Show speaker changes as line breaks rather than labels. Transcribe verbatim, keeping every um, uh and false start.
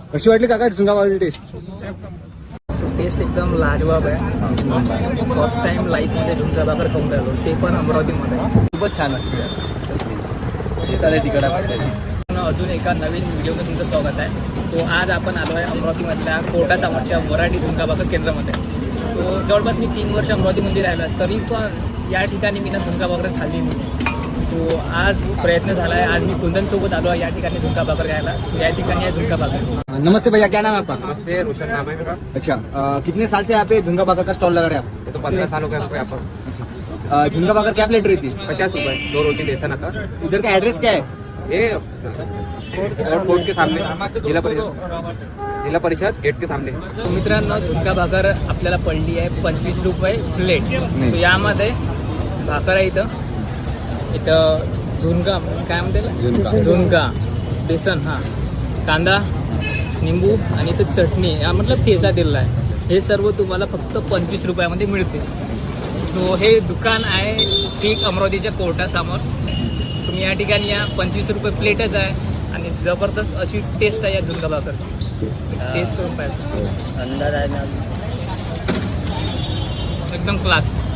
कशी वाटली काका झुणका भाकरची टेस्ट?
टेस्ट एकदम लाजवाब आहे. फर्स्ट टाइम लाईफमध्ये झुणका भाकर खाऊन राहिलो, ते पण अमरावतीमध्ये.
खूपच छान वाटली. चालेल तिकडे
अजून एका नवीन व्हिडिओमध्ये तुमचं स्वागत आहे. सो आज आपण आलो आहे अमरावतीमधल्या कोटा सामोरच्या मराठी झुणका भाकर केंद्रामध्ये. सो जवळपास मी तीन वर्ष अमरावतीमध्ये राहिलो, तरी पण या ठिकाणी मी ना झुणका भाकर खाल्ली नाही. सो आज प्रयत्न झाला आहे. आज मी कुंदनसोबत आलो आहे या ठिकाणी झुणका भाकर घ्यायला. सो या ठिकाणी आहे झुणका भाकर.
नमस्ते भैया, क्या नाम है आपका?
नमस्ते, रोशन नाम है मेरा।
अच्छा, अ, कितने साल से यहाँ पे झुणका भाकर का स्टॉल लगा रहे हैं आप?
ये तो पंद्रह साल हो गए हमको यहाँ पर।
अ, झुणका भाकर क्या प्लेट रहती है?
पचास रुपए, दो रोटी बेसन आता।
इधर का एड्रेस क्या है?
ये और कोर्ट के सामने, जिला परिषद जिला परिषद गेट के सामने।
तो मित्रांनो, झुणका भाकर आपल्याला पडली आहे पंचवीस रुपये प्लेट. सो यामध्ये भाकर आहे, इथं इथं झुणका काय म्हणते
झुणका.
झुणका बेसन, हां, कांदा, निंबू आणि इथं चटणी, हा मतलब ठेचा दिलेला आहे. हे सर्व तुम्हाला फक्त पंचवीस रुपयामध्ये मिळते. सो हे दुकान आहे ठीक अमरावतीच्या कोर्टासमोर. तुम्ही या ठिकाणी या, पंचवीस रुपये प्लेटच आहे आणि जबरदस्त अशी टेस्ट आहे या झुणका भाकरची. टेस्ट करून पाहिजे, अंदाज आहे ना, एकदम क्लास.